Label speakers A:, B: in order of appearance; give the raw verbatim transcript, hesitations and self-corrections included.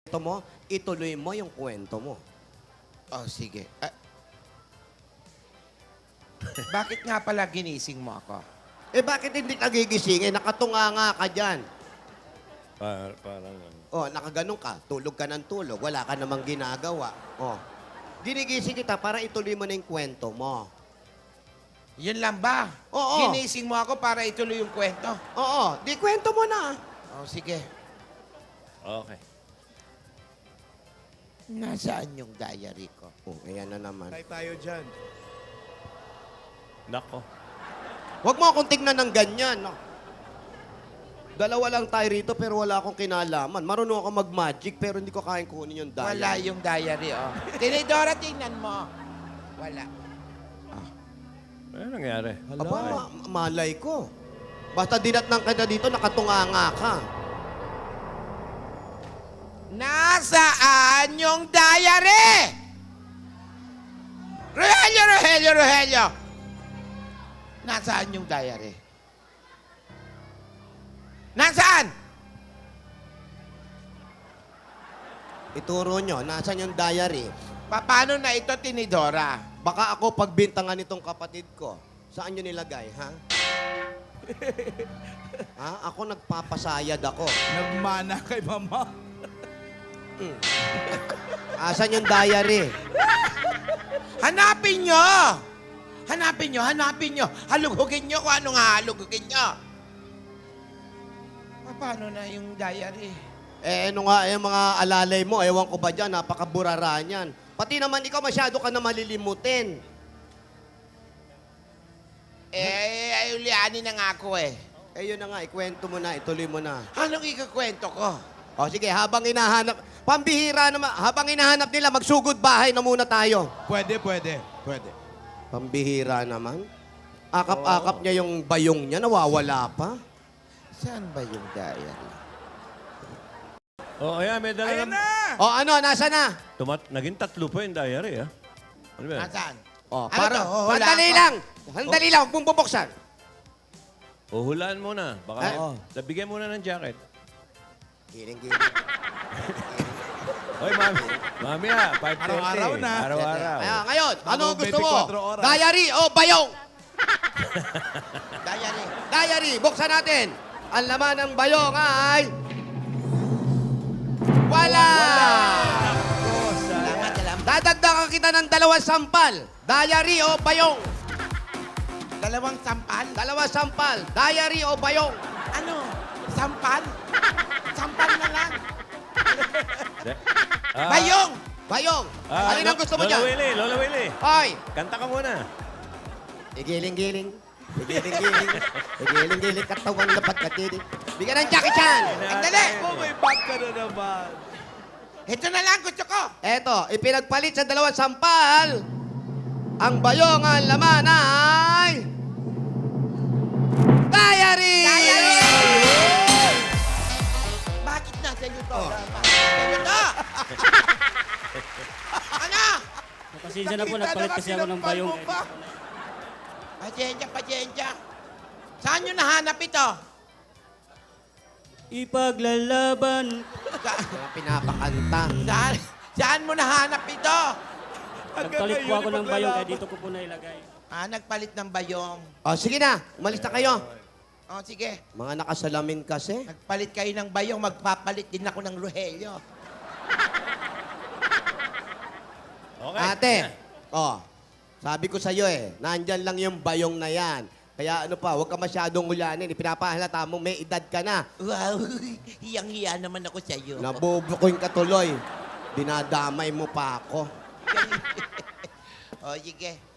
A: kwento mo, ituloy mo yung kwento mo.
B: Oh, sige. Ah, bakit nga pala ginising mo ako?
A: Eh, bakit hindi ka gigisingin? Nakatunganga ka dyan.
C: Par, parang ano.
A: Oh, nakaganon ka. Tulog ka ng tulog. Wala ka namang ginagawa. Oh. Ginigising kita para ituloy mo na yung kwento mo.
B: Yun lang ba?
A: Oo.
B: Ginising mo ako para ituloy yung kwento?
A: Oo, di kwento mo na.
B: Oh, sige.
C: Okay.
B: Nasaan yung diary ko?
A: Oh, ayan na naman.
D: Tay tayo dyan.
C: Nako.
A: Huwag mo akong tignan ng ganyan. No? Dalawa lang tayo rito pero wala akong kinalaman. Marunong ako mag-magic pero hindi ko kayang kunin yung diary.
B: Wala yung diary, oh. Tinidora, tingnan mo. Wala.
C: Ano nangyari?
A: Aba, ma- malay ko. Basta dinatnang ka na dito, nakatunganga ka.
B: Nasaan yung diary? Rogelio, Rogelio, Rogelio! Nasaan yung diary? Nasaan?
A: Ituro nyo, nasan yung diary?
B: Pa- Paano na ito, Tinidora?
A: Baka ako pagbintangan nitong kapatid ko. Saan nyo nilagay, ha? ha? Ako nagpapasayad ako.
D: Nagmana kay mama.
A: Asan yung diary?
B: Hanapin nyo! Hanapin nyo, hanapin nyo. Halugugin nyo kung anong halugugin nyo. Pa- Paano na yung diary?
A: Eh, ano nga, eh, mga alalay mo, ewan ko ba dyan, napakaburara niyan. Pati naman ikaw, masyado ka na malilimutin.
B: Eh, ay ulianin na nga ako eh.
A: Eh, yun na nga, ikwento mo na, ituloy mo na.
B: Anong ikakwento ko?
A: O, sige, habang hinahanap, pambihira naman, habang hinahanap nila, magsugod bahay na muna tayo.
D: Pwede, pwede. Pwede.
A: Pambihira naman. Akap-akap niya yung bayong niya, nawawala pa.
B: Saan ba yung diary?
C: Oh, ayan, may dala
D: Ayan
C: ng...
D: na!
A: O, ano, nasa na?
C: Tumat, naging tatlo pa yung diary, ha? Ano ba yan?
B: Nasaan?
A: O,
B: Ano
A: para,
B: to? Huhulaan
A: sandali
B: ko?
A: lang. Sandali lang, huwag mong bubuksan.
C: O, hulaan muna. Baka,
A: Ah,
C: oh. bigyan muna ng jacket.
A: Giling-giling.
C: Oy, mami. Mami, ha? five thirty.
D: Araw-araw na.
C: Araw-araw.
A: Kaya ngayon, ano
D: Bago
A: gusto mo?
D: twenty-four oras.
A: Diary o bayong?
B: Diary.
A: Diary, buksan natin. Ang laman ng bayong ay... Wala!
B: Salamat, salamat.
A: Dadagdagan kita ng dalawang sampal. Diary o bayong?
B: Dalawang sampal?
A: Dalawang sampal. Diary o bayong?
B: Ano? Sampal? Sampal na lang.
C: De- Ah,
B: Bayong!
A: Bayong.
C: ah,
A: Alin ang gusto mo
C: Lola
A: dyan?
C: Willy, Lola Willy.
A: Hoy!
C: Kanta ka muna.
A: Igiling-giling. Igiling-giling. Igiling-giling. Katawan na pagkatinig. Bigyan ng Jackie Chan.
B: Sandali!
D: Oh, may bag ka na naman.
B: Ito na lang gusto ko.
A: Eto, ipinagpalit sa dalawang sampal. Ang bayong ang laman ay... Diary!
B: Diary! Bakit nasa iyo to? Bakit nasa iyo to? Ano?
E: Pasensya na po,
D: Nakita
E: nagpalit
D: na
E: kasi ako ng
D: sinampal
E: bayong.
D: mo pa.
B: Pasensya, pasensya. Saan nyo nahanap ito?
E: Ipaglalaban.
B: Sa
A: Mga pinapakanta.
B: saan, saan mo nahanap ito?
E: Nagpalit po ako ng bayong, kaya dito ko po nailagay.
B: Ah, nagpalit ng bayong.
A: O, sige na. Umalis na kayo.
B: Oh, sige.
A: Mga nakasalamin kasi.
B: Nagpalit kayo ng bayong, magpapalit din ako ng Rogelio.
C: Okay.
A: Ate, oh, sabi ko sa'yo eh, nandyan lang yung bayong na yan. Kaya ano pa, huwag ka masyadong ulanin. Ipinapahalata mo, may edad ka na.
B: Wow, hiyang-hiya naman ako sa iyo.
A: Nabubukoy ka tuloy. Dinadamay mo pa ako.
B: Oh, sige.